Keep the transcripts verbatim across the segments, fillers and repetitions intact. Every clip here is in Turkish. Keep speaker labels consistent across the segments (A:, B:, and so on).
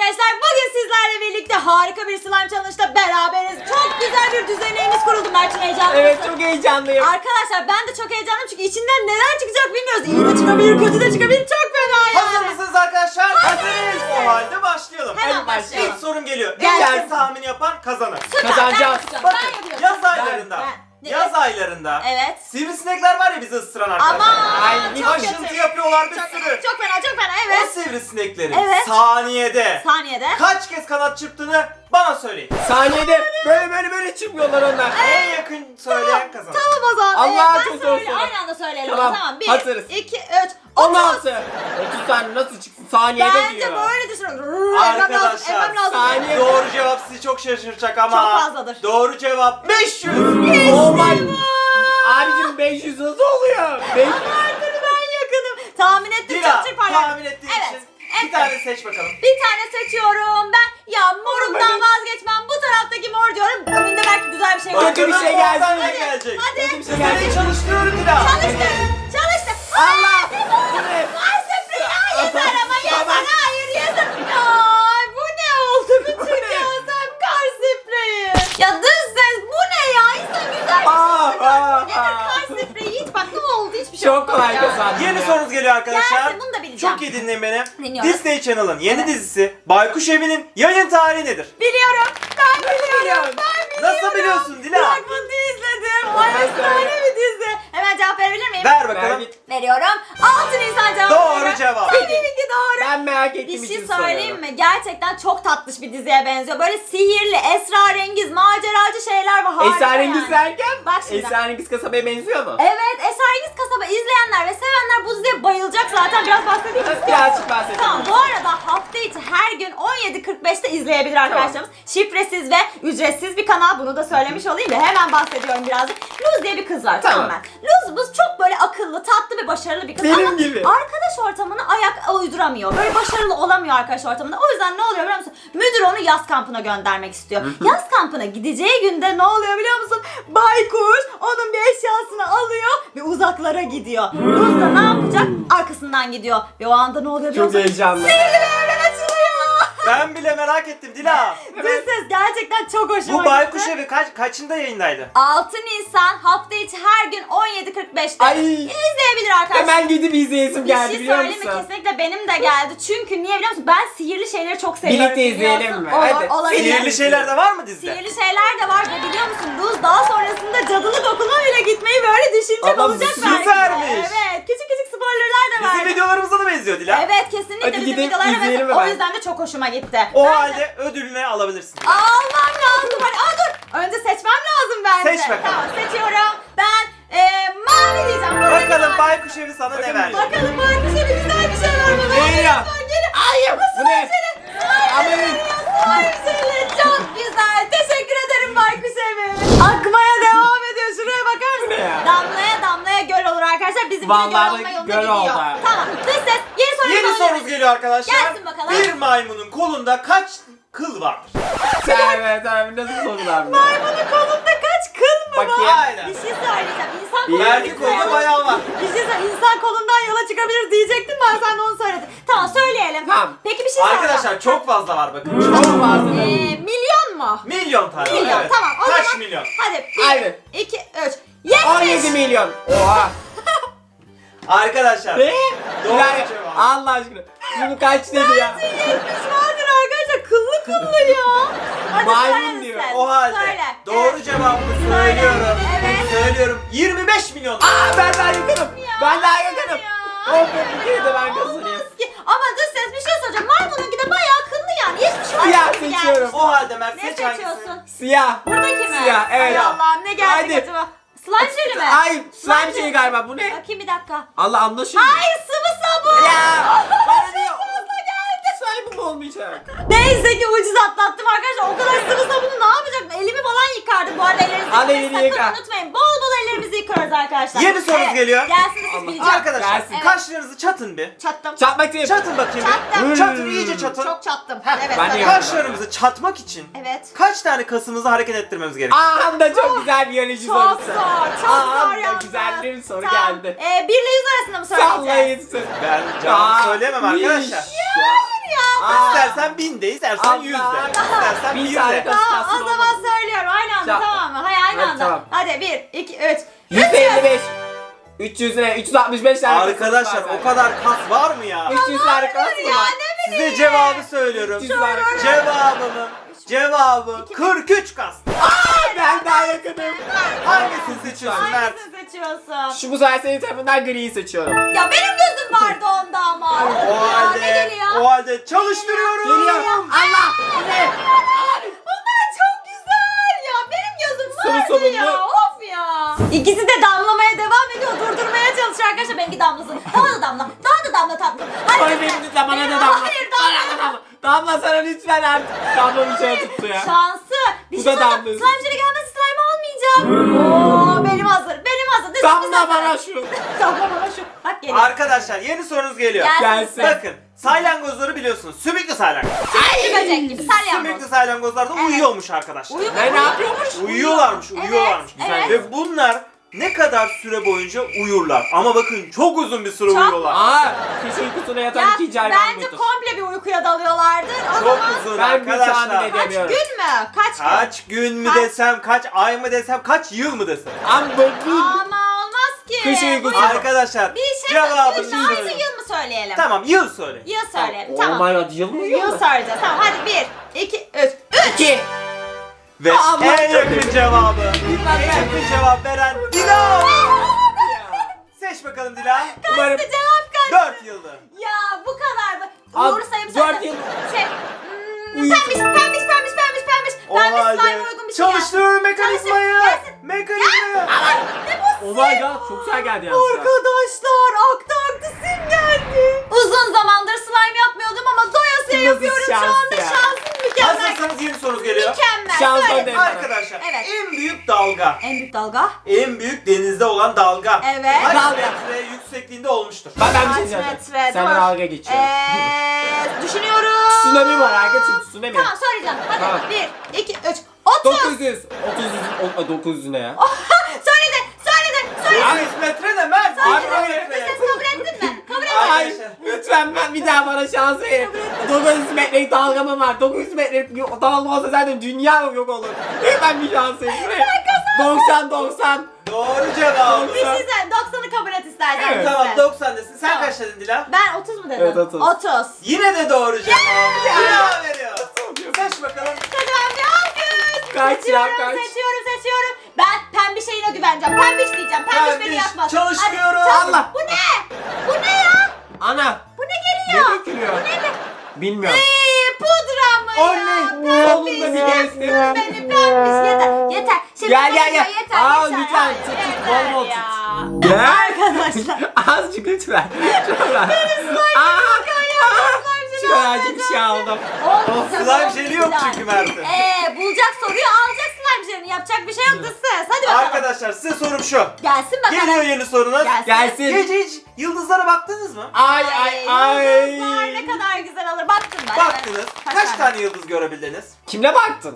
A: arkadaşlar, bugün sizlerle birlikte harika bir slime challenge'da beraberiz. Çok güzel bir düzenimiz kuruldu. Mert'in heyecanlı
B: Evet,
A: mısın?
B: çok heyecanlıyım.
A: Arkadaşlar ben de çok heyecanlıyım çünkü içinden neler çıkacak bilmiyoruz. İyi de çıkabilir, kötü de çıkabilir. Çok fena yani.
C: Hazır mısınız arkadaşlar?
A: Hazırız.
C: O halde başlayalım.
A: Hemen
B: Hadi
A: başlayalım.
C: İlk sorum geliyor.
A: Gelsin.
C: En iyi tahmin yapan kazanır.
A: Süper,
B: Kazanacağız.
A: Ben yapacağım.
C: Bakın
A: Ben yapıyorum.
C: yaz aylarında.
A: Ben- Ne?
C: Yaz aylarında.
A: Evet.
C: Sivrisinekler var ya bizi ısıran arkadaşlar.
A: Aman
B: Ay,
A: çok
C: Aşıntı
A: kötü.
C: yapıyorlar bir
A: Çok,
C: sürü.
A: çok fena, çok fena.
C: O
A: Evet.
C: sivrisineklerin
A: Evet.
C: saniyede
A: Saniyede.
C: kaç kez kanat çırptığını bana söyleyin.
B: Saniyede böyle böyle böyle çıkmıyorlar onlar.
C: En yakın söyleyen kazanır.
A: Tamam o zaman.
B: Allah,
A: Evet, ben
B: çok zor
A: söyle-
B: soru.
A: Aynı anda söyleyelim.
B: Tamam,
A: Tamam. Bir,
B: hazırız.
A: iki, üç.
B: on
A: otuz.
B: altı. otuz saniye nasıl çıksın? Saniyede
A: Bence
B: diyor.
A: böyle düşünüyorum. Emmem lazım,
C: Arkadaşlar,
A: emmem lazım.
B: saniye-
C: Doğru cevap sizi çok şaşırtacak ama
A: Çok fazladır.
C: doğru cevap beş yüz.
B: Oh my. Abicim beş yüz nasıl oluyor? beş yüz.
A: Vardır, ben yakınım. Tahmin ettim,
C: Dila
A: çok çırparlar.
C: tahmin ettiğin
A: Evet.
C: için
A: Evet.
C: bir tane seç bakalım.
A: Bir tane seçiyorum ben. Ya morumdan vazgeçmem. Bu taraftaki mor diyorum. Önünde belki güzel bir şey var.
B: Kötü bir şey gelsin.
C: Oradan ne
A: Hadi,
C: gelecek?
A: hadi.
B: Kötü bir şey
C: Sizleri
B: gelsin.
C: çalıştırıyorum Dila.
A: Çalıştı. Çalıştı.
B: Allah.
A: Var sprey. Ya yeter ama yeter.
B: Tamam.
A: Hayır yeter. Ay bu ne oldu? Bütün
B: ne?
A: yazem kar spreyi. Ya dış ses bu ne ya? İnsan güzel bir
B: Aa,
A: şey
B: aa,
A: Nedir
B: aa.
A: kar spreyi? Hiç bak ne oldu? Hiçbir şey
B: Çok
A: olmadı
B: kolay
A: ya.
B: kazandım.
C: Yeni
B: ya.
C: sorunuz geliyor arkadaşlar.
A: Gelsin, bunu da bileceğim.
C: Çok iyi dinleyin beni.
A: Dinliyoruz.
C: Disney Channel'ın yeni
A: Evet.
C: dizisi Baykuş Evi'nin yayın tarihi nedir?
A: Biliyorum. Ben biliyorum.
B: biliyorsun?
A: Ben biliyorum.
C: Nasıl biliyorsun Dila?
A: Fragmanını izledim. Ay efsane bir dizi. Hemen cevap verebilir miyim?
C: Ver
B: Ver
C: bakalım.
B: git.
A: Veriyorum. altı Nisan cevap
C: Doğru
A: veriyorum.
C: cevap.
A: Tabii ki doğru.
B: Ben merak ettiğim
A: Bir şey
B: için
A: söyleyeyim
B: soruyorum.
A: mi? Gerçekten çok tatlış bir diziye benziyor. Böyle sihirli, esrarengiz, maceracı şeyler var. Harika
B: Esrarengiz
A: yani.
B: derken
A: Bak şimdi.
B: Esrarengiz kasabaya benziyor mu?
A: Evet, Esrarengiz Kasaba izleyenler ve sevenler bu diziye bayılacak zaten. Biraz bahsedeyim mi?
B: Birazcık bahsedelim.
A: Tamam, bu arada hafta içi her gün on yedi kırk beşte izleyebilir arkadaşlarımız. Şifresiz ve ücretsiz bir kanal, bunu da söylemiş olayım da hemen bahsediyorum birazcık. Luz diye bir kız var, tamam,
B: Tamam.
A: mı? Luz bu çok böyle akıllı, tatlı ve başarılı bir kız
B: Benim
A: ama
B: gibi.
A: arkadaş ortamına ayak uyduramıyor. Böyle başarılı olamıyor arkadaş ortamında. O yüzden ne oluyor biliyor musun? Müdür onu yaz kampına göndermek istiyor. Yaz kampına gideceği günde ne oluyor biliyor musun? Baykuş onun bir eşyasını alıyor ve uzaklara gidiyor. Luz da ne yapacak? Arkasından gidiyor. Ve o anda ne oluyor biliyor
B: Çok
A: musun?
B: heyecanlı.
A: Sihirli bir evren açılıyor.
C: Ben bile merak ettim Dila.
A: Dış ses gerçekten çok hoşuma
C: Bu Baykuş
A: gitti.
C: Evi kaç, kaçında yayındaydı?
A: altı Nisan hafta içi her gün on yedi kırk beşte
B: Ay.
A: izleyebilir arkadaşlar.
B: Hemen gidip izleyesim
A: Bir
B: geldi
A: şey
B: biliyor
A: söyleyeyim mi?
B: musun?
A: Kesinlikle benim de geldi. Çünkü niye biliyor musun? Ben sihirli şeyleri çok seviyorum.
B: Birlikte izleyelim
A: biliyorsun.
B: mi?
A: Olur,
B: Hadi.
A: olabilir.
C: Sihirli şeyler de var mı dizide?
A: Sihirli şeyler de var ve biliyor musun Luz daha sonrasında cadılık okuluna bile gitmeyi böyle düşünecek
B: Adam
A: olacak belki de.
C: süpermiş.
A: Evet, küçük küçük spoilerler de var.
C: Bizim videolarımıza da benziyor Dila.
A: Evet, kesinlikle
B: Hadi
A: bizim
B: gidip
A: videolara
B: izleyelim
A: mesela. O
B: hemen.
A: yüzden de çok hoşuma gitti.
C: O
A: Ben de-
C: halde ödülünü alabilirsin.
A: Almam lazım. Hadi aa, dur. Önce seçmem lazım bence.
C: Seç bakalım.
A: Tamam, seçiyorum. Ben eee mavi diyeceğim. Buradaki
C: Bakalım
A: mavi.
C: Baykuş Evi sana ne verdi?
A: Bakalım Baykuş Evi güzel bir şey var mı?
B: Ne ya?
A: Hayır.
B: Bu ne?
A: Hayır. Hayır. Çok güzel. Teşekkür ederim Baykuş Evi. Akmaya devam ediyor. Şuraya bakar
B: Bu ne
A: mısın?
B: ya?
A: Damlaya damlaya göl olur arkadaşlar. Bizim
B: Vallahi
A: göl olma yolunda
B: göl
A: gidiyor.
B: oldu.
A: Tamam. Dış ses. Yeni sorumuz
C: Yeni
A: alabilir
C: sorumuz
A: miyiz?
C: geliyor arkadaşlar.
A: Gelsin bakalım.
C: Bir maymunun kolunda kaç kıl vardır?
B: Evet abi nasıl sorular mı?
A: Maymunun kolunda kaç kıl mı var?
B: Bakayım.
C: Aynen.
A: Bir şey söyleyeceğim. İnsan
B: Bir-
A: kolundan
C: Verdi kolunda bayağı var.
A: Bir şey söyleyeyim. İnsan kolundan yola çıkabilir diyecektim, ben sen de onu söyledin. Tamam, söyleyelim.
B: Tamam.
A: Peki bir şey soracağım.
C: Arkadaşlar çok fazla var bakın.
B: Çok fazla.
A: Ee, milyon mu?
C: Milyon tane var,
A: Milyon,
C: evet.
A: tamam. O
C: Kaç
A: zaman,
C: milyon?
A: Hadi
B: Haydi.
A: bir, iki, üç. Yetmiş.
B: on yedi milyon. Oha.
C: Arkadaşlar.
B: Ne?
C: Doğru
B: Yani,
C: cevap.
B: Allah aşkına. Bunu kaç dedi ya?
A: Yetmiş vardır arkadaşlar. Kıllı kıllı ya. Hadi
B: Maymun
A: söyle
B: diyor.
A: sen.
C: O halde
A: Söyle.
C: doğru
A: Evet.
C: cevabını
A: Söyle.
C: söylüyorum.
A: Evet.
C: Söylüyorum. yirmi beş milyon.
B: Aa ben daha yakınım. Ben daha yakınım.
A: Ya.
B: Oh be bir kere de ben kazanayım.
A: Olmaz ki. Ama dış ses bir şey söyleyeceğim. Maymununki de bayağı kıllı yani. Yetmiş var.
B: Siyah
A: gibi
B: seçiyorum.
A: gelmiş.
C: O halde Mert
A: Ne
C: seç hangisi?
A: seçiyorsun?
B: Siyah.
A: Buradaki mi?
B: Siyah evet.
A: Ay Allah'ım, ne geldi
B: Hadi.
A: acaba? Slime jeli mi?
B: Ay slime şeyi galiba bu ne?
A: Bakayım bir dakika.
B: Allah anlaşılıyor.
A: Hayır, sıvı sabun.
B: Ya. Bana diyor.
A: Fazla geldi.
B: Slime mi olmayacak?
A: Neyse ki ucuz atlattım arkadaşlar. O kadar sıvı sabunu ne yapacaktım? Elimi falan yıkardım bu arada, ellerinizi
B: Al
A: yıkamayı
B: elini
A: sakın
B: yıka.
A: unutmayın. Bol bol ellerimizi yıkıyoruz arkadaşlar.
C: Yeni sorumuz
A: Evet,
C: geliyor.
A: Gelsin de siz
B: Allah.
A: bileceğim.
C: Arkadaşlar
B: Gelsin.
A: Evet.
C: kaşlarınızı çatın bir.
A: Çattım.
B: Çatmak değil.
C: Çatın bakayım
A: Çattım.
C: bir. Çatın iyice çatın.
A: Çok çattım. Evet.
B: Ben de
A: söyle.
B: yaptım.
C: Kaşlarımızı çatmak için
A: Evet.
C: kaç tane kasımızı hareket ettirmemiz gerekiyor?
B: Aa da çok güzel bir biyoloji
A: Çok
B: sorusu.
A: zor, çok
B: Aa,
A: zor
B: da
A: yalnız.
B: güzel bir soru
A: Tamam.
B: geldi.
A: Ee, bir ile yüz arasında mı söyleyeceğiz?
B: Sallayın.
C: Ben cevabı söyleyemem arkadaşlar.
A: Hayır ya.
B: Aa,
C: İstersen bin de, istersen
B: Allah.
C: yüz de. İstersen
B: Bin
C: bir
B: tane
C: de.
B: kas-
A: Tamam o
B: Kalsın
A: zaman
B: oğlum.
A: söylüyorum aynı anda
B: Tamam.
A: tamam mı? Hayır aynı
B: Hadi,
A: anda.
B: tamam.
A: Hadi bir, iki, üç.
B: yüz elli beş. üç yüz ne? üç yüz altmış beş tane
C: Arkadaşlar
B: kasımız var
C: o kadar kas var mı ya?
B: üç yüz tane kas mı
A: Ya
B: var?
A: ne
C: Size cevabı söylüyorum.
B: üç yüz tane kas.
C: Cevabımın cevabı kırk üç kas.
B: Ben daha yakınım.
C: Hangisini seçiyorsun Mert?
A: Hangisini seçiyorsun?
B: Şu bu sefer senin tarafından griyi seçiyorum.
A: Ya benim gözüm vardı onda ama.
C: O
A: Ya, ne
C: halde,
A: geliyor?
C: o halde çalıştırıyorum.
B: Geliyor. Allah! Ne?
A: Bunlar çok güzel ya. Benim gözüm
B: Soru
A: vardı
B: sorumlu.
A: ya. Of ya. İkisi de damlamaya devam ediyor. Durdurmaya çalışıyor arkadaşlar. Benimki damlasın. Daha da damla. Daha da damla tatlım. Hadi
B: Ay
A: lütfen.
B: benim lütfen bana da
A: Benim-
B: damla.
A: Hayır
B: Bana
A: damla.
B: da damla. Damla sana lütfen artık. Damla bir şey tuttu ya.
A: Şansı. Bir
B: Bu
A: şey
B: da
A: söyleyeyim.
B: damlası.
A: Slime jelly gelmezse slime olmayacak. Oo, benim hazır. Benim hazır. Lütfen,
B: Damla
A: lütfen.
B: bana şu.
A: Damla bana şu. Bak geliyor.
C: Arkadaşlar yeni sorunuz geliyor.
A: Gel.
B: Gelsin.
C: Bakın salyangozları biliyorsunuz. Sümüklü salyangoz.
A: Ay. Böcek gibi. Salyangoz.
C: Sümüklü salyangozlar da
A: Evet.
C: uyuyormuş arkadaşlar.
A: Uyuyor.
B: Ne ne yapıyormuş?
C: Uyuyorlarmış,
A: Evet,
C: uyuyorlarmış.
A: evet.
C: Ve bunlar ne kadar süre boyunca uyurlar. Ama bakın çok uzun bir süre
A: Çok-
C: uyuyorlar.
B: Aa, kış uykusuna yatan
A: Ya
B: ikinci hayvan
A: bence
B: budur.
A: komple bir uykuya dalıyorlardır. O
C: Çok
A: zaman
C: uzun
B: Ben bir tahmin
C: arkadaşlar.
B: edeyim.
A: kaç
B: Demiyorum.
A: gün mü? Kaç gün?
C: Kaç gün mü
A: Kaç-
C: desem, kaç ay mı desem, kaç yıl mı desem.
B: Ama bugün
A: Ama olmaz ki.
B: Kış uykusu.
A: Bu-
C: Arkadaşlar
A: Bir şey
C: cevabını
A: söyleyeyim. Aynı
C: söyleyin.
A: yıl mı söyleyelim?
C: Tamam yıl söyle.
A: Yıl söyleyelim.
B: Oh
A: Tamam.
B: my god, yıl mı
A: Yıl söyleyeceğiz. Tamam hadi bir, iki, üç.
B: İki.
C: Ve
B: Allah
C: en yakın
B: çok-
C: cevabı,
B: Bilmem
C: en
B: ben.
C: yakın cevap veren Dila. Seç bakalım Dila.
B: Umarım
A: Kaçtı cevap kaç?
C: dört yıldı.
A: Ya bu kadar mı?
B: Al,
A: Doğru sayım
B: dört
A: söyle.
B: yıl.
A: Şey, hmm,
B: Uyusun.
A: pembiş, pembiş, pembiş, pembiş, pembiş.
C: O
A: Pembiş
C: halde
A: slime uygun bir şey.
C: çalıştırıyorum mekanizmayı.
A: Çalıştır, gelsin.
C: Mekanizmayı.
A: Ne bu
B: Oh my god, çok güzel geldi yalnız.
A: Arkadaşlar aktı aktı sim geldi. Uzun zamandır slime yapmıyordum ama doyasıya
B: Nasıl
A: yapıyorum şu
B: şans
A: anda.
B: ya?
A: Şansım mükemmel.
C: Hazırsanız yeni sorunuz geliyor.
A: Mükemmel.
B: Şans
A: Söyle.
B: ödeyim.
C: Arkadaşlar
A: Evet.
C: en büyük dalga,
A: En büyük dalga.
C: en büyük denizde olan dalga
A: Evet.
C: kaç
B: Dalga.
C: metre yüksekliğinde olmuştur?
B: Ben, ben bir şey
A: Kaç
B: diyeceğim.
A: metre?
B: Sen
A: Dur.
B: dalga geçiyorum.
A: Eee düşünüyorum.
B: Tsunami var arkadaşım, tsunami.
A: Tamam söyleyeceğim. Hadi
B: Tamam.
A: bir, iki, üç. Otuz.
B: dokuz yüz. otuz yüz. o- dokuz yüz ne ya?
A: Söyledi, söyledi, söyledi.
C: dokuz yüz metre ne Mert?
B: Abi,
A: Söyledi.
B: abi.
A: Bir ses kabul ettin mi? Kabul ettin.
C: Ay.
B: Hayır. Lütfen ben bir daha bana şans verin. dokuz yüz metrelik dalgamım var. dokuz yüz metrelik dalga olsa zaten dünya yok olur. Lütfen bir şans verin. doksan doksan.
C: Doğru cevap.
A: Bir şey söyle. doksanı kabul et istersen.
B: Evet.
C: Tamam
A: Lütfen.
C: doksan desin. Sen
A: Tamam.
C: kaç dedin Dila?
A: Ben otuz mu dedim?
B: Evet, otuz.
A: otuz.
C: Yine de doğru cevap. Dila veriyor. Seç bakalım.
A: Hadi ben bir alkış.
B: Kaç ya,
A: seçiyorum,
B: kaç?
A: seçiyorum, seçiyorum. Ben pembiş şeyine güveneceğim. Pembiş diyeceğim. Pembiş, beni
C: Pembiş,
A: yakmaz.
C: çalıştırıyorum.
A: Hadi, çalış.
B: Allah.
A: Bu ne? Bu ne ya?
B: Ana.
A: Bu ne
B: Ne
A: geliyor?
B: dökülüyor?
A: Bu ne?
B: Bilmiyorum.
A: Eee pudra mı ya?
B: Oley. Sonunda bir
A: Pembiş
B: geçti.
A: yaktın beni pembiş. Yeter, yeter. Şimdi
B: Gel, gel,
A: yeter,
B: gel.
A: Yeter,
B: Aa,
A: yeter.
B: lütfen,
A: Ay,
B: tut, tut,
A: yeter
B: bol bol
A: ya.
B: tut. Gel.
A: Arkadaşlar.
B: Azıcık lütfen. Şuradan. Aa. Şuracık bir şey aldım.
A: Olsun,
C: Slime jeli yok
A: güzel.
C: çünkü Mert'in.
A: Eee bulacak soruyu alacak slime jelini. Yapacak bir şey yok da siz. Hadi bakalım.
C: Arkadaşlar size sorum şu.
A: Gelsin bakalım.
C: Geliyor yeni sorunuz.
A: Gelsin.
B: Gelsin.
C: Gece hiç yıldızlara baktınız mı?
B: Ay ay ay.
A: Yıldızlar ne kadar güzel olur. Baktım ben.
C: Baktınız.
A: Evet.
C: Kaç tane yıldız görebildiniz?
B: Kimle baktın?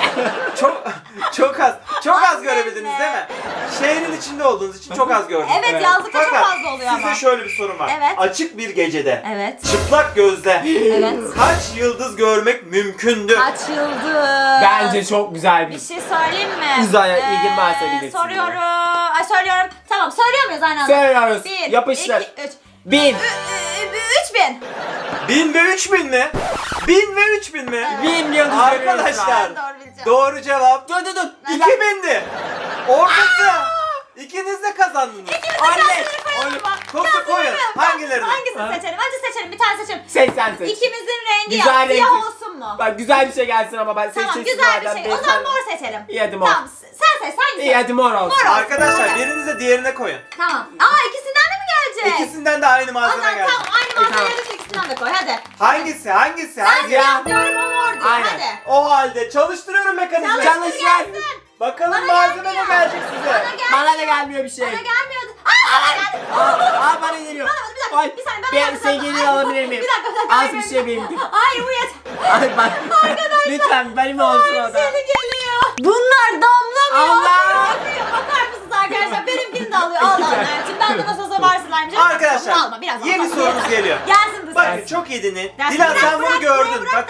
C: Çok çok az. Çok az
A: Annemle.
C: görebildiniz değil mi? Şehrin içinde olduğunuz için çok az gördünüz.
A: Evet,
B: Evet.
A: yazlıkta çok
C: Fakat
A: fazla oluyor
C: size
A: ama.
C: şöyle bir sorum var.
A: Evet.
C: Açık bir gecede
A: Evet.
C: çıplak gözle
A: Evet.
C: kaç yıldız görmek mümkündü?
A: Kaç yıldız?
B: Bence çok güzel
A: Bir
B: bir.
A: şey söyleyeyim mi?
B: Uzaya ilgin varsa bilirsin
A: Soruyorum. Ay söylüyorum. Tamam söylüyor muyuz aynı anda?
B: Söylüyoruz.
A: Bir,
B: Yapıştır.
A: iki, üç.
B: Bin.
A: Ü- ü- Üç bin.
C: Bin ve üç bin mi? Bin ve üç bin mi?
A: Evet.
B: Bin yıldız
C: Arkadaşlar.
B: görüyoruz
A: Ben doğru bileceğim.
C: Doğru cevap
B: Dur dur dur.
C: iki bindi. Ortası. İkiniz de kazandınız.
B: Anne.
C: Kosu koyun. Hangilerini?
A: Hangisini
B: Ha?
A: seçelim? Önce seçelim. Bir tane seçelim.
B: seksen seç.
A: İkimizin rengi
B: Güzel
A: ya. Siyah
B: renk.
A: olsun mu?
B: Bak güzel bir şey gelsin ama ben
A: Tamam
B: seçeceksin
A: güzel bir
B: madem,
A: şey.
B: ben
A: O zaman
B: sen-
A: mor seçelim.
B: İyi hadi mor.
A: Tamam sen seç hangisi?
B: İyi hadi mor olsun.
A: Mor olsun.
C: Arkadaşlar
A: Mor.
C: biriniz de diğerine koyun.
A: Tamam. Aa ikisinden de mi gelecek?
C: İkisinden de aynı
A: O
C: malzeme
A: zaman
C: geldi.
A: tamam aynı
B: tamam.
A: malzemeleri ikisinden de koy hadi.
C: Hangisi? Hangisi?
A: Ben
C: Hangisi?
A: siyah diyorum o mor diyor.
B: Aynen.
A: Hadi.
C: O halde çalıştırıyorum mekanizmayı.
B: Çalış lan.
C: Bakalım
A: Bana
C: malzeme ne
A: gelmiyor.
C: gelecek size?
A: Bana gel.
B: Bana da gelmiyor bir şey.
A: Bana gelmiyordu. Aa bana geldi.
B: Aa, aa bana geliyor.
A: Bana bir dakika.
B: Ay,
A: Bir saniye ben
B: ben
A: bir dakika.
B: sevgilini
A: Ay,
B: alabilir miyim?
A: Bir dakika bir dakika.
B: Az
A: Hayır,
B: bir
A: benim-
B: şey benimki.
A: Hayır bu yeter.
B: Ay bak. Lütfen benim olsun o da.
A: Seni geliyor. Bunlar damlamıyor.
B: Allah.
A: Bakıyor. Bakar mısınız arkadaşlar? Benimkini de alıyor. Al al Mert'ciğim. Ben de nasıl olsa var slime'cığım.
C: Arkadaşlar
A: Alma biraz.
C: yeni
A: alma.
C: sorumuz geliyor.
A: Gelsin bu
C: Bakın
A: ses.
C: çok iyi dinleyin.
A: Dersin,
C: Dilan
A: bırak,
C: sen bunu
A: bırak,
C: gördün.
A: bırak, bırak,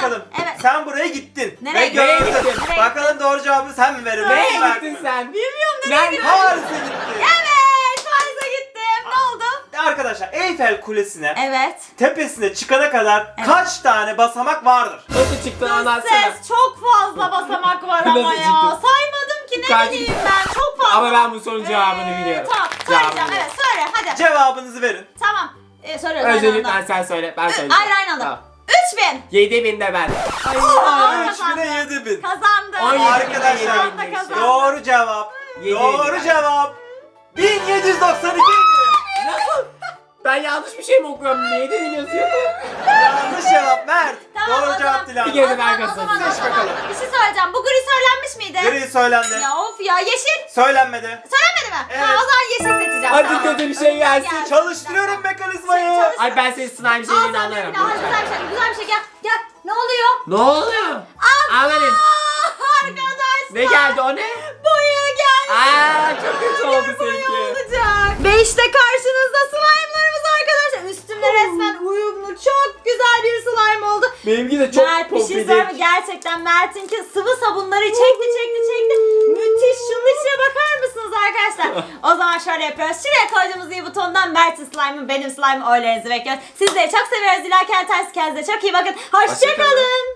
C: bakalım.
A: Evet.
C: Sen buraya gittin.
A: Nereye
C: Ve
A: gittin?
C: gördün.
B: Nereye
A: gittin?
C: Bakalım doğru cevabı sen mi verir?
B: Nereye
C: ben mi
B: gittin
C: verdim?
B: sen?
A: Bilmiyorum nereye
B: Nerede?
A: gidiyorum.
C: Paris'e gittin.
A: Evet Paris'e gittim. Ne oldu?
C: Arkadaşlar Eyfel Kulesi'ne
A: Evet.
C: tepesine çıkana kadar
A: Evet.
C: kaç tane basamak vardır?
B: Nasıl çıktın anlatsana.
A: Ses çok fazla basamak var ama
B: Nasıl
A: ya.
B: çıktın?
A: Saymadım ki ne
B: Kaç-
A: bileyim ben. Çok fazla.
B: Ama ben bu sorunun cevabını
A: Ee,
B: biliyorum.
A: Tamam
B: Cevabını
A: söyleyeceğim
B: biliyorum.
A: evet söyle hadi.
C: Cevabınızı verin.
A: Tamam. Ee, söylüyoruz aynı
B: Öncelikle
A: anda.
B: sen söyle, ben
A: Ö-
B: söyleyeceğim.
A: Hayır aynı anda.
B: Tamam.
A: üç bin.
B: yedi bin de ben.
A: Aa,
C: üç bine yedi bin.
A: Kazandım.
B: On yedi
C: Arkadaşlar
A: Şu anda kazandım.
C: doğru cevap.
B: Yedi
C: Doğru
B: bin.
C: cevap. bin yedi yüz doksan iki idi.
B: Nasıl? Ben yanlış bir şey mi okuyorum? Niye de biliyorsun?
C: Yanlış cevap Mert.
A: Tamam,
C: Doğru
A: o
C: cevap
A: zaman-
C: Dilan.
B: Bir kere
A: O zaman,
B: ben
A: o zaman, o
B: kazandım.
C: Seç
A: zaman.
C: bakalım.
A: Bir şey söyleyeceğim. Bu gri söylenmiş miydi?
C: Gri söylendi.
A: Ya of ya yeşil.
C: Söylenmedi.
A: Söylemedi mi?
C: Evet.
A: Ha, o zaman yeşil seçeceğim.
B: Hadi
A: tamam.
B: kötü bir şey gelsin.
A: Gelsin.
C: Çalıştırıyorum mekanizmayı.
A: Çalış-
B: Ay ben senin slime
A: Al
B: şeyini
A: sen
B: anlarım.
A: benimle. Hadi güzel bir şey. Güzel bir şey gel. Gel. Ne oluyor?
B: Ne oluyor? Amanın.
A: Aa, arkadaşlar.
B: Ne geldi o ne?
A: Boya geldi.
B: Aa çok kötü oldu
A: Boya
B: seninki.
A: olacak. Ve işte karşınızda slime'larımız arkadaşlar. Üstümde resmen uyumlu çok güzel bir slime oldu.
B: Benimki de çok
A: Mert bir şey
B: pofidik.
A: söyleyeyim mi? Gerçekten Mert'inki sıvı sabunları çekti çekti çekti. Müthiş. Şunun içine bakar mısınız arkadaşlar? O zaman şöyle yapıyoruz. Şuraya koyduğumuz iyi butondan Mert'in slime'ı benim slime'ı oylarınızı bekliyoruz. Sizleri çok seviyoruz. Dilerken ters kendinize çok iyi bakın. Hoşçakalın.
B: Hoşça kalın.